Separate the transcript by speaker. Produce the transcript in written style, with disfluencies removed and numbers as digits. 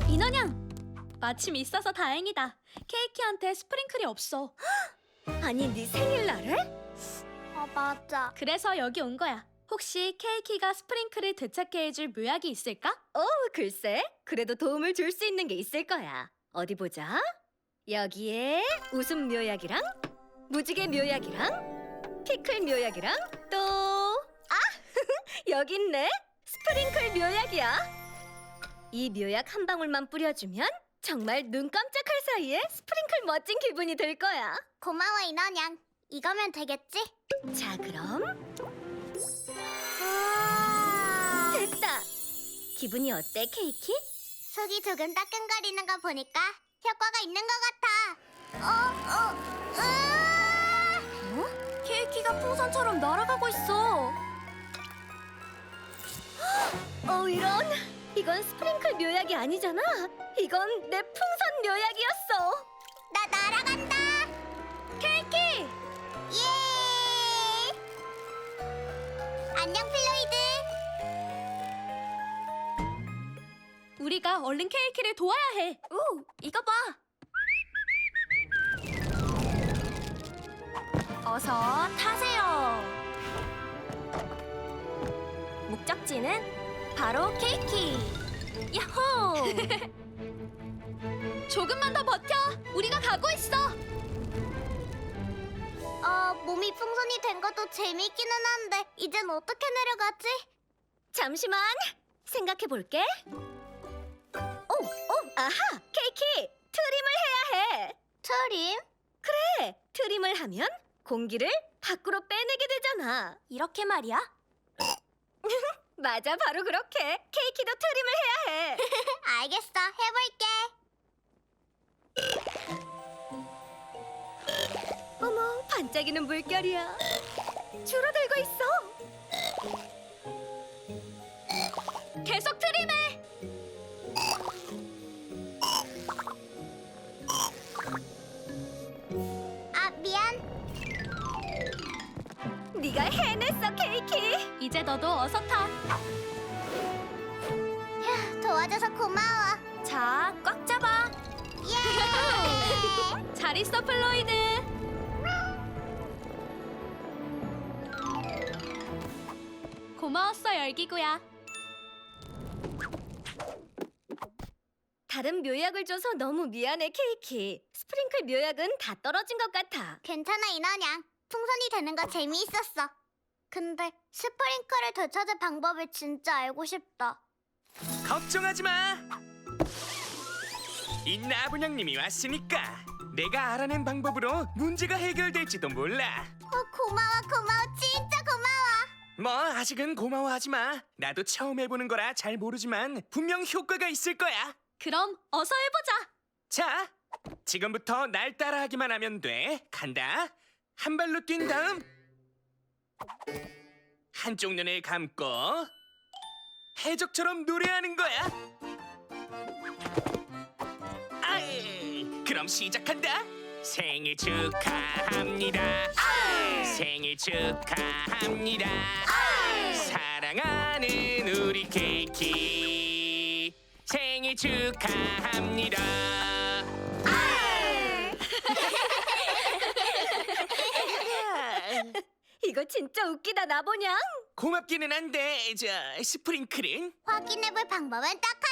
Speaker 1: 인원양! 마침 있어서 다행이다. 케이키한테 스프링클이 없어.
Speaker 2: 아니, 네 생일날에?
Speaker 3: 맞아.
Speaker 1: 그래서 여기 온 거야. 혹시 케이키가 스프링클을 되찾게 해줄 묘약이 있을까?
Speaker 2: 글쎄, 그래도 도움을 줄 수 있는 게 있을 거야. 어디 보자. 여기에 웃음 묘약이랑 무지개 묘약이랑 피클 묘약이랑 여기 있네. 스프링클 묘약이야. 이 묘약 한 방울만 뿌려주면 정말 눈 깜짝할 사이에 스프링클 멋진 기분이 들 거야.
Speaker 3: 고마워, 인원양. 이거면 되겠지?
Speaker 2: 자, 그럼
Speaker 3: 와.
Speaker 2: 됐다. 기분이 어때, 케이키?
Speaker 3: 속이 조금 따끔거리는 거 보니까 효과가 있는 것 같아.
Speaker 2: 케이키가 풍선처럼 날아가고 있어. 이런. 이건 스프링클 묘약이 아니잖아. 이건 내 풍선 묘약이었어.
Speaker 3: 나 날아간다.
Speaker 2: 케이키!
Speaker 3: 예. 안녕, 플로이드.
Speaker 1: 우리가 얼른 케이키를 도와야 해.
Speaker 2: 이거 봐. 어서 타세요. 목적지는 바로 케이키. 야호!
Speaker 1: 조금만 더 버텨. 우리가 가고 있어.
Speaker 3: 몸이 풍선이 된 것도 재밌기는 한데 이젠 어떻게 내려가지?
Speaker 2: 잠시만 생각해 볼게. 아하! 케이키! 트림을 해야 해.
Speaker 3: 트림?
Speaker 2: 그래! 트림을 하면 공기를 밖으로 빼내게 되잖아. 이렇게 말이야? 맞아, 바로 그렇게. 케이키도 트림을 해야 해.
Speaker 3: 알겠어, 해볼게.
Speaker 2: 어머, 반짝이는 물결이야. 줄어들고 있어.
Speaker 1: 계속 트림해.
Speaker 3: 미안.
Speaker 2: 네가 해냈어, 케이키.
Speaker 1: 이제 너도 어서 타.
Speaker 3: 휴, 도와줘서 고마워.
Speaker 2: 자, 꽉 잡아.
Speaker 3: 예!
Speaker 1: 잘 있어, 플로이드. 고마웠어, 열기구야.
Speaker 2: 다른 묘약을 줘서 너무 미안해, 케이키. 스프링클 묘약은 다 떨어진 것 같아.
Speaker 3: 괜찮아, 인원양. 풍선이 되는 거 재미있었어. 근데 스프링클을 되찾을 방법을 진짜 알고 싶다.
Speaker 4: 걱정하지 마. 이 나분양님이 왔으니까 내가 알아낸 방법으로 문제가 해결될지도 몰라.
Speaker 3: 고마워, 진짜 고마워.
Speaker 4: 뭐 아직은 고마워하지 마. 나도 처음 해보는 거라 잘 모르지만 분명 효과가 있을 거야.
Speaker 1: 그럼 어서 해보자.
Speaker 4: 자, 지금부터 날 따라하기만 하면 돼. 간다. 한 발로 뛴 다음 한쪽 눈을 감고 해적처럼 노래하는 거야. 그럼 시작한다. 생일 축하합니다. 생일 축하합니다. 사랑하는 우리 케이키 생일 축하합니다.
Speaker 2: 이거 진짜 웃기다, 나보냥.
Speaker 4: 고맙기는 한데 저 스프링클은
Speaker 3: 확인해볼 방법은 딱